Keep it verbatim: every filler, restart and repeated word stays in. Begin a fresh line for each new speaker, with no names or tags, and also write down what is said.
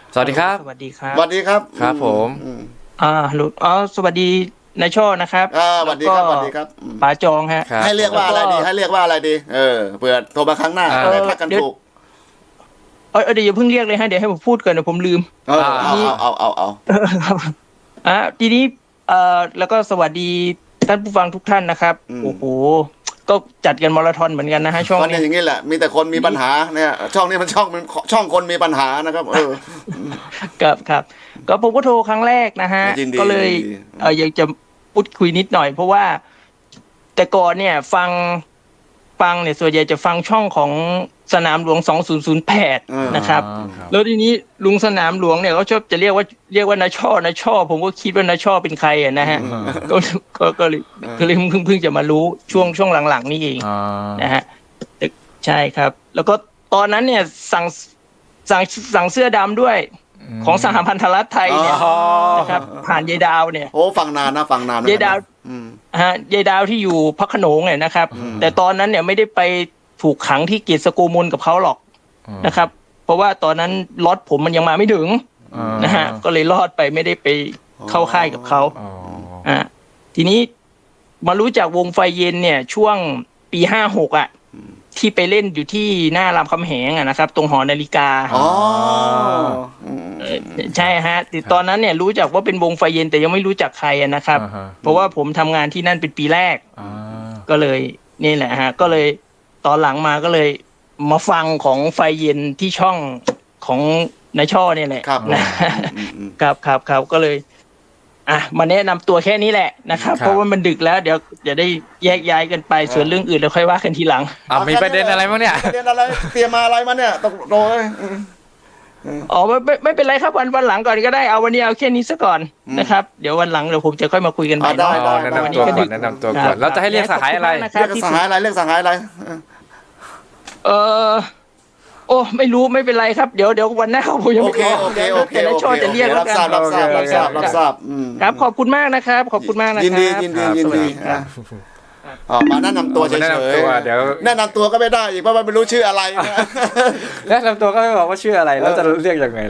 สวัสดีครับ
สวัสดีครับ
สวัสดีครับ
ครับผม
อ่าลุอ๋อสวัสดีนายช่อนะครับ
อ่าสวัสดีครับสวัสดีครับ
ป๋าจองฮะ
ให้เรียกว่าอะไรดีให้เรียกว่าอะไรดีเออเผื่อโทรมาครั้งหน้าได้ทักกันถูก
เออเดี๋ยวอย่าเพิ่งเรียกเลยฮะเดี๋ยวให้ผมพูดก่อนเดี๋ยวผมลืม
เออเอาเอาเอาเอา
ครับอ่าทีนี้เอ่อแล้วก็สวัสดีท่านผู้ฟังทุกท่านนะครับโอ้โหก็จัดกันมาราธอนเหมือนกันนะฮะช่อง
นี้อย่างนี้แหละมีแต่คนมีปัญหาเนี่ยช่องนี้มันช่องมันช่องคนมีปัญหานะครับเออ
ครับครับก็ผมก็โทรครั้งแรกนะฮะก็เลยเอออยากจะพูดคุยนิดหน่อยเพราะว่าแต่ก่อนเนี่ยฟังฟังเนี่ยส่วนใหญ่จะฟังช่องของสนามหลวงสองพันแปดนะครับแล้วทีนี้ลุงสนามหลวงเนี่ยเขาชอบจะเรียกว่าเรียกว่านาช่อนาช่อผมก็คิดว่านาช่อเป็นใครอ่ะนะฮะก็ก็ก็เลยก็เลยเพิ่งเพิ่งจะมารู้ช่วงช่วงหลังๆนี่เองนะฮะใช่ครับแล้วก็ตอนนั้นเนี่ยสั่งสั่งสั่งเสื้อดำด้วยของสหพันธรัฐไทยเนี่ยนะครับผ่านยายดาวเนี่ย
โอ้ฟังนานนะฟังนาน
ยายดาวฮะยายดาวที่อยู่พระโขนงเนี่ยนะครับแต่ตอนนั้นเนี่ยไม่ได้ไปถูกขังที่เกียรติสโกมลกับเขาหรอกนะครับเพราะว่าตอนนั้นล็อตผมมันยังมาไม่ถึงนะฮะก็เลยรอดไปไม่ได้ไปเข้าค่ายกับเขาอ่าทีนี้มารู้จักวงไฟเย็นเนี่ยช่วงปีห้าหกอ่ะที่ไปเล่นอยู่ที่หน้ารามคำแหงอ่ะนะครับตรงหอนาฬิกา
อ๋อ
ใช่ฮะแต่ตอนนั้นเนี่ยรู้จักว่าเป็นวงไฟเย็นแต่ยังไม่รู้จักใครนะครับเพราะว่าผมทำงานที่นั่นเป็นปีแรกก็เลยนี่แหละฮะก็เลยตอนหลังมาก็เลยมาฟังของไฟเย็นที่ช่องของนายช่อเนี่ยแหละนะครับครับครับก็เลยอ่ะมาแนะนำตัวแค่นี้แหละนะครับเพราะว่ามันดึกแล้วเดี๋ยวจะได้แยกย้ายกันไปส่วนเรื่องอื่นเราค่อยว่ากันทีหลัง
อ่ะมีประเด็นอะไรบ้างเนี่ย
ประเด็นอะไรเตรียมมาอะไรมาเนี่ยตกโดย
อ๋อไม่ไม่ไม่เป็นไรครับวันวันหลังก่อนก็ได้เอาวันนี้เอาแค่นี้ซะก่อนนะครับเดี๋ยววันหลังเดี๋ยวผมจะค่อยมาคุยกันใหม่
ได้ได้
แนะนำตัวก่อนแนะนำตัวก่อนแล้วจะให้เรียกสหายอะไร
เรียกสหายอะไรเรียกสหายอะไร
เออโอ้ไม่รู้ไม่เป็นไรครับเดี๋ยวเดี๋ยววันหน้าผมยังไม่
ขอโอเคโอเคโอเค
จะเรียก
รับทราบรับทราบรับทราบรับทราบ
ครับขอบคุณมากนะครับขอบคุณมากนะครับ
ยินดียินดียินดีอ๋อมาแนะนำตัวเฉยๆเดี๋ยวแนะนำตัวก็ไม่ได้อีกเพราะมันไม่รู้ชื่ออะไร
แนะนำตัวก็ไม่บอกว่าชื่ออะไรแล้วจะเรียกยังไง